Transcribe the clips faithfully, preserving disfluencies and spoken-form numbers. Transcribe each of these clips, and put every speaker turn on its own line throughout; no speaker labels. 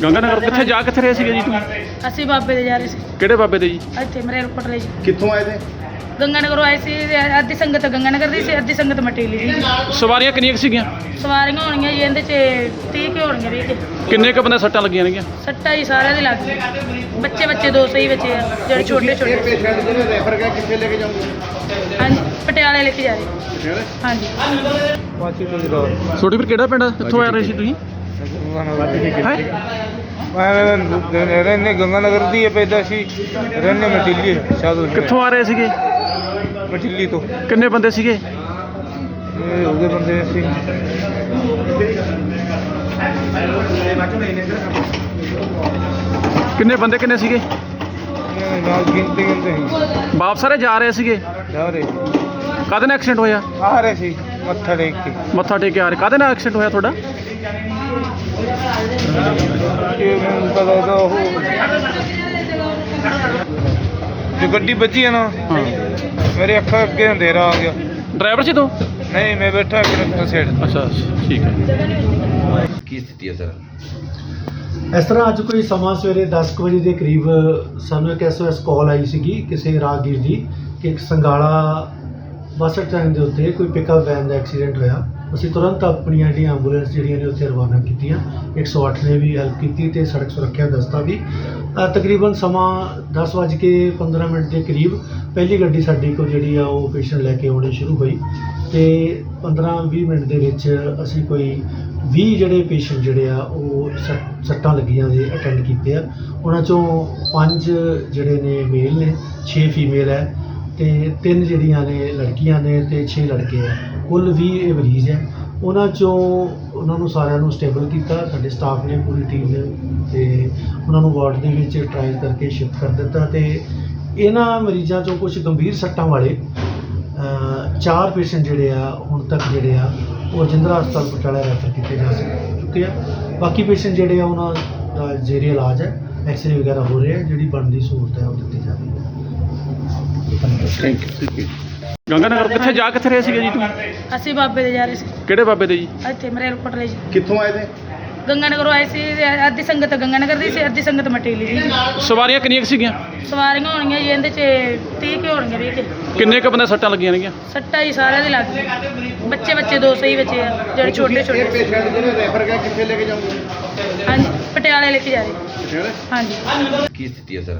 ਗੰਗਾ ਨਗਰ ਕਿੱਥੇ ਜਾ ਕਿੱਥੇ ਰਹੇ ਸੀਗੇ ਜੀ ਤੁਸੀਂ?
ਅਸੀਂ ਬਾਬੇ ਦੇ ਜਾ ਰਹੇ ਸੀ
ਕਿਹੜੇ ਬਾਬੇ ਦੇ ਜੀ?
ਇੱਥੇ ਮਰੇਲ ਕੋਟਲੇ ਜੀ।
ਕਿੱਥੋਂ ਆਏ थे?
ਗੰਗਾ ਨਗਰੋਂ ਆਏ ਸੀ। ਅੱਧੀ ਸੰਗਤ ਗੰਗਾ ਨਗਰ ਦੀ ਸੀ, ਅੱਧੀ ਸੰਗਤ ਮਟੀਲੀ ਦੀ।
ਸਵਾਰੀਆਂ ਕਿੰਨੀਆਂ ਕੁ ਸੀਗੀਆਂ?
ਸਵਾਰੀਆਂ ਹੋਣਗੀਆਂ ਜੀ ਇਹਦੇ 'ਚ ਤੀਹ ਕੁ ਹੋਣਗੀਆਂ ਵੀਹ ਕੁ।
ਕਿੰਨੇ ਕੁ ਬੰਦੇ ਸੱਟਾਂ ਲੱਗੀਆਂ ਨੇਗੀਆਂ?
ਸੱਟਾਂ ਜੀ ਸਾਰਿਆਂ ਦੇ ਲੱਗ ਗਈ। ਬੱਚੇ ਬੱਚੇ ਦੋ ਸਹੀ ਬੱਚੇ ਆ ਜਿਹੜੇ ਛੋਟੇ ਛੋਟੇ।
ਪੇਸ਼ੈਂਟ ਜਿਹੜੇ ਰੈਫਰ ਕਰ ਕਿੱਥੇ ਲੈ ਕੇ ਜਾਓਗੇ?
ਹਾਂਜੀ ਪਟਿਆਲੇ ਲੈ ਕੇ ਜਾ ਰਹੇ। ਹਾਂਜੀ
ਪਾਚੀ ਤੋਂ ਜਰਾ
ਛੋਟੀ ਵੀਰ ਕਿਹੜਾ ਪਿੰਡ? ਕਿੱਥੋਂ ਆ ਰਹੇ ਸੀ ਤੁਸੀਂ? ਹੈਂ?
ਮੈਂ ਰਹਿੰਦੇ ਗੰਗਾ ਨਗਰ ਦੀ ਪੈਦਾ ਸੀ, ਰਹਿੰਦੇ ਮਟਿੱਲੀ ਸਾਧੂ।
ਕਿੱਥੋਂ ਆ ਰਹੇ ਸੀਗੇ?
ਮਟਿੱਲੀ ਤੋਂ।
ਕਿੰਨੇ ਬੰਦੇ ਸੀਗੇ?
ਇਹ ਹੋ ਗਏ ਬੰਦੇ ਸੀ
ਕਿੰਨੇ ਬੰਦੇ ਕਿੰਨੇ ਸੀਗੇ?
ਇਹ ਨਾਲ ਗਿਣਤੀ ਗਿਣਤੇ ਸੀ
ਵਾਪਸ ਸਾਰੇ ਜਾ ਰਹੇ ਸੀਗੇ?
ਜਾ ਰਹੇ
ਕਾਹਦੇ ਨਾਲ ਐਕਸੀਡੈਂਟ ਹੋਇਆ?
ਆ ਰਹੇ ਸੀ ਮੱਥਾ ਟੇਕ ਕੇ।
ਮੱਥਾ ਟੇਕ ਕੇ ਆ ਰਹੇ। ਕਾਹਦੇ ਨਾਲ ਐਕਸੀਡੈਂਟ ਹੋਇਆ ਤੁਹਾਡਾ?
ਇਹ ਮੈਨੂੰ ਪਤਾ ਤਾਂ ਉਹ ਜੋ ਗੱਡੀ ਵੱਜੀ ਹੈ ਨਾ,
ਹਾਂ।
ਮੇਰੇ ਅੱਖਾਂ ਅੱਗੇ ਅੰਧੇਰਾ ਆ ਗਿਆ।
ਡਰਾਈਵਰ ਸੀ ਤੂੰ?
ਨਹੀਂ, ਮੈਂ ਬੈਠਾ ਕਰੈਕਟਰ ਸਾਈਡ।
ਅੱਛਾ ਠੀਕ ਹੈ।
ਕੀ ਸਥਿਤੀ ਹੈ ਸਰ?
ਇਸ ਤਰ੍ਹਾਂ ਅੱਜ ਕੋਈ ਸਮਾਂ ਸਵੇਰੇ ਦਸ ਕੁ ਵਜੇ ਦੇ ਕਰੀਬ ਸਾਨੂੰ ਇੱਕ ਐਸ ਓ ਐਸ ਕਾਲ ਆਈ ਸੀਗੀ ਕਿਸੇ ਰਾਹਗੀਰ ਦੀ ਕਿ ਇੱਕ ਸੰਗਾਲਾ ਬੱਸ ਸਟੈਂਡ ਦੇ ਉੱਤੇ ਕੋਈ ਪਿਕਅਪ ਵੈਨ ਦਾ ਐਕਸੀਡੈਂਟ ਹੋਇਆ। ਅਸੀਂ ਤੁਰੰਤ ਆਪਣੀਆਂ ਜਿਹੜੀਆਂ ਐਂਬੂਲੈਂਸ ਜਿਹੜੀਆਂ ਨੇ ਉੱਥੇ ਰਵਾਨਾ ਕੀਤੀਆਂ। ਇੱਕ ਸੌ ਅੱਠ ਨੇ ਵੀ ਹੈਲਪ ਕੀਤੀ ਤੇ ਸੜਕ ਸੁਰੱਖਿਆ ਦਸਤਾ ਵੀ। ਅ, ਤਕਰੀਬਨ ਸਮਾਂ ਦਸ ਵੱਜ ਕੇ ਪੰਦਰਾਂ ਮਿੰਟ ਦੇ ਕਰੀਬ ਪਹਿਲੀ ਗੱਡੀ ਸਾਡੀ ਕੋਲ ਜਿਹੜੀ ਆ ਉਹ ਪੇਸ਼ੈਂਟ ਲੈ ਕੇ ਆਉਣੀ ਸ਼ੁਰੂ ਹੋਈ ਤੇ ਪੰਦਰਾਂ ਵੀਹ ਮਿੰਟ ਦੇ ਵਿੱਚ ਅਸੀਂ ਕੋਈ ਵੀਹ ਜਿਹੜੇ ਪੇਸ਼ੈਂਟ ਜਿਹੜੇ ਆ ਉਹ ਸੱਟ- ਸੱਟਾਂ ਲੱਗੀਆਂ ਦੇ ਅਟੈਂਡ ਕੀਤੇ ਆ। ਉਹਨਾਂ 'ਚੋਂ ਪੰਜ ਜਿਹੜੇ ਨੇ ਮੇਲ ਨੇ, ਛੇ ਫੀਮੇਲ ਹੈ ਤੇ ਤਿੰਨ ਜਿਹੜੀਆਂ ਨੇ ਲੜਕੀਆਂ ਨੇ ਤੇ ਛੇ ਲੜਕੇ ਆ। ਕੁੱਲ ਵੀਹ ਇਹ ਮਰੀਜ਼ ਹੈ। ਉਹਨਾਂ 'ਚੋਂ ਉਹਨਾਂ ਨੂੰ ਸਾਰਿਆਂ ਨੂੰ ਸਟੇਬਲ ਕੀਤਾ ਸਾਡੇ ਸਟਾਫ ਨੇ, ਪੂਰੀ ਟੀਮ ਨੇ, ਤੇ ਉਹਨਾਂ ਨੂੰ ਵਾਰਡ ਦੇ ਵਿੱਚ ਟਰਾਇਲ ਕਰਕੇ ਸ਼ਿਫਟ ਕਰ ਦਿੱਤਾ। ਤੇ ਇਹਨਾਂ ਮਰੀਜ਼ਾਂ 'ਚੋਂ ਕੁਝ ਗੰਭੀਰ ਸੱਟਾਂ ਵਾਲੇ ਅ, ਚਾਰ ਪੇਸ਼ੈਂਟ ਜਿਹੜੇ ਆ ਹੁਣ ਤੱਕ ਜਿਹੜੇ ਆ ਉਹ ਰਜਿੰਦਰਾ ਹਸਪਤਾਲ ਪਟਿਆਲਾ ਰੈਫਰ ਕੀਤੇ ਜਾ ਸਕ- ਚੁੱਕੇ ਆ। ਬਾਕੀ ਪੇਸ਼ੈਂਟ ਜਿਹੜੇ ਆ ਉਹਨਾਂ ਦਾ ਜ਼ੇਰੇ ਇਲਾਜ ਹੈ, ਐਕਸਰੇ ਵਗੈਰਾ ਹੋ ਰਹੇ ਆ। ਜਿਹੜੀ ਬਣਦੀ ਸਹੂਲਤ ਹੈ ਉਹ ਦਿੱਤੀ ਜਾ ਰਹੀ ਹੈ।
Thank you. ਗੰਗਾ ਨਗਰ ਕਿੱਥੇ ਜਾ ਕਿੱਥੇ ਰਹੇ ਸੀਗੇ ਜੀ ਤੁਸੀਂ?
ਅਸੀਂ ਬਾਬੇ ਦੇ ਜਾ ਰਹੇ ਸੀ।
ਕਿਹੜੇ ਬਾਬੇ ਦੇ ਜੀ?
ਇੱਥੇ ਮਰੇਲ ਕੋਟਲੇ ਜੀ।
ਕਿੱਥੋਂ ਆਏ थे?
ਗੰਗਾ ਨਗਰੋਂ ਆਏ ਸੀ। ਅੱਧੀ ਸੰਗਤ ਗੰਗਾ ਨਗਰ ਦੀ ਸੀ, ਅੱਧੀ ਸੰਗਤ ਮਟੀਲੀ ਦੀ।
ਸਵਾਰੀਆਂ ਕਿੰਨੀਆਂ ਕੁ ਸੀਗੀਆਂ?
ਸਵਾਰੀਆਂ ਹੋਣਗੀਆਂ ਜੀ ਇਹਦੇ 'ਚ ਤੀਹ ਕੁ ਹੋਣਗੀਆਂ ਵੀਹ ਕੁ।
ਕਿੰਨੇ ਕੁ ਬੰਦੇ ਸੱਟਾਂ ਲੱਗੀਆਂ ਨੇਗੀਆਂ?
ਸੱਟਾਂ ਜੀ ਸਾਰਿਆਂ ਦੇ ਲੱਗ ਗਈ। ਬੱਚੇ ਬੱਚੇ ਦੋ ਸਹੀ ਬੱਚੇ ਆ ਜਿਹੜੇ ਛੋਟੇ ਛੋਟੇ।
ਪੇਸ਼ੈਂਟ ਜਿਹੜੇ ਰੈਫਰ ਕਰ ਕਿੱਥੇ ਲੈ ਕੇ ਜਾਓਗੇ?
ਹਾਂਜੀ ਪਟਿਆਲੇ ਲੈ ਕੇ ਜਾ ਰਹੇ। ਹਾਂਜੀ
ਕੀ ਸਥਿਤੀ ਹੈ ਸਰ?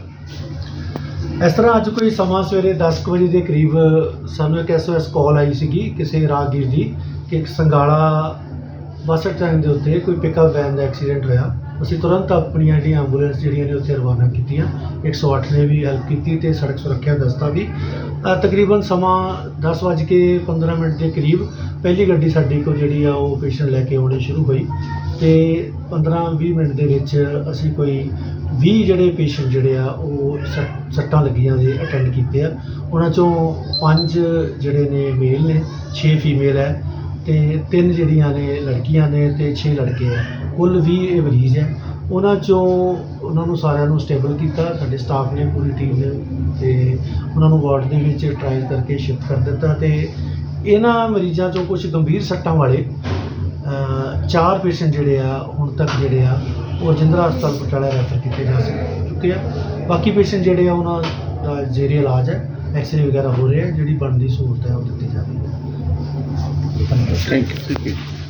ਇਸ ਤਰ੍ਹਾਂ ਅੱਜ ਕੋਈ ਸਮਾਂ ਸਵੇਰੇ ਦਸ ਕੁ ਵਜੇ ਦੇ ਕਰੀਬ ਸਾਨੂੰ ਇੱਕ ਐਸ ਓ ਐਸ ਕਾਲ ਆਈ ਸੀਗੀ ਕਿਸੇ ਰਾਹਗੀਰ ਦੀ ਕਿ ਇੱਕ ਸੰਗਾਲਾ ਬੱਸ ਸਟੈਂਡ ਦੇ ਉੱਤੇ ਕੋਈ ਪਿਕਅਪ ਵੈਨ ਦਾ ਐਕਸੀਡੈਂਟ ਹੋਇਆ। ਅਸੀਂ ਤੁਰੰਤ ਆਪਣੀਆਂ ਜਿਹੜੀਆਂ ਐਂਬੂਲੈਂਸ ਜਿਹੜੀਆਂ ਨੇ ਉੱਥੇ ਰਵਾਨਾ ਕੀਤੀਆਂ। ਇੱਕ ਸੌ ਅੱਠ ਨੇ ਵੀ ਹੈਲਪ ਕੀਤੀ ਤੇ ਸੜਕ ਸੁਰੱਖਿਆ ਦਸਤਾ ਵੀ। ਅ, ਤਕਰੀਬਨ ਸਮਾਂ ਦਸ ਵੱਜ ਕੇ ਪੰਦਰਾਂ ਮਿੰਟ ਦੇ ਕਰੀਬ ਪਹਿਲੀ ਗੱਡੀ ਸਾਡੀ ਕੋਲ ਜਿਹੜੀ ਆ ਉਹ ਪੇਸ਼ੈਂਟ ਲੈ ਕੇ ਆਉਣੀ ਸ਼ੁਰੂ ਹੋਈ ਤੇ ਪੰਦਰਾਂ ਵੀਹ ਮਿੰਟ ਦੇ ਵਿੱਚ ਅਸੀਂ ਕੋਈ ਵੀਹ ਜਿਹੜੇ ਪੇਸ਼ੈਂਟ ਜਿਹੜੇ ਆ ਉਹ ਸੱਟ- ਸੱਟਾਂ ਲੱਗੀਆਂ ਦੇ ਅਟੈਂਡ ਕੀਤੇ ਆ। ਉਹਨਾਂ 'ਚੋਂ ਪੰਜ ਜਿਹੜੇ ਨੇ ਮੇਲ ਨੇ, ਛੇ ਫੀਮੇਲ ਹੈ ਤੇ ਤਿੰਨ ਜਿਹੜੀਆਂ ਨੇ ਲੜਕੀਆਂ ਨੇ ਤੇ ਛੇ ਲੜਕੇ ਆ। ਕੁੱਲ ਵੀਹ ਇਹ ਮਰੀਜ਼ ਹੈ। ਉਹਨਾਂ 'ਚੋਂ ਉਹਨਾਂ ਨੂੰ ਸਾਰਿਆਂ ਨੂੰ ਸਟੇਬਲ ਕੀਤਾ ਸਾਡੇ ਸਟਾਫ ਨੇ, ਪੂਰੀ ਟੀਮ ਨੇ, ਤੇ ਉਹਨਾਂ ਨੂੰ ਵਾਰਡ ਦੇ ਵਿੱਚ ਟਰਾਇਲ ਕਰਕੇ ਸ਼ਿਫਟ ਕਰ ਦਿੱਤਾ। ਤੇ ਇਹਨਾਂ ਮਰੀਜ਼ਾਂ 'ਚੋਂ ਕੁਝ ਗੰਭੀਰ ਸੱਟਾਂ ਵਾਲੇ ਅ, ਚਾਰ ਪੇਸ਼ੈਂਟ ਜਿਹੜੇ ਆ ਹੁਣ ਤੱਕ ਜਿਹੜੇ ਆ ਉਹ ਰਜਿੰਦਰਾ ਹਸਪਤਾਲ ਪਟਿਆਲਾ ਰੈਫਰ ਕੀਤੇ ਜਾ ਸਕ- ਚੁੱਕੇ ਆ। ਬਾਕੀ ਪੇਸ਼ੈਂਟ ਜਿਹੜੇ ਆ ਉਹਨਾਂ ਦਾ ਜ਼ੇਰੇ ਇਲਾਜ ਹੈ, ਐਕਸਰੇ ਵਗੈਰਾ ਹੋ ਰਹੇ ਆ। ਜਿਹੜੀ ਬਣਦੀ ਸਹੂਲਤ ਹੈ ਉਹ ਦਿੱਤੀ ਜਾ ਰਹੀ ਹੈ।
Thank you.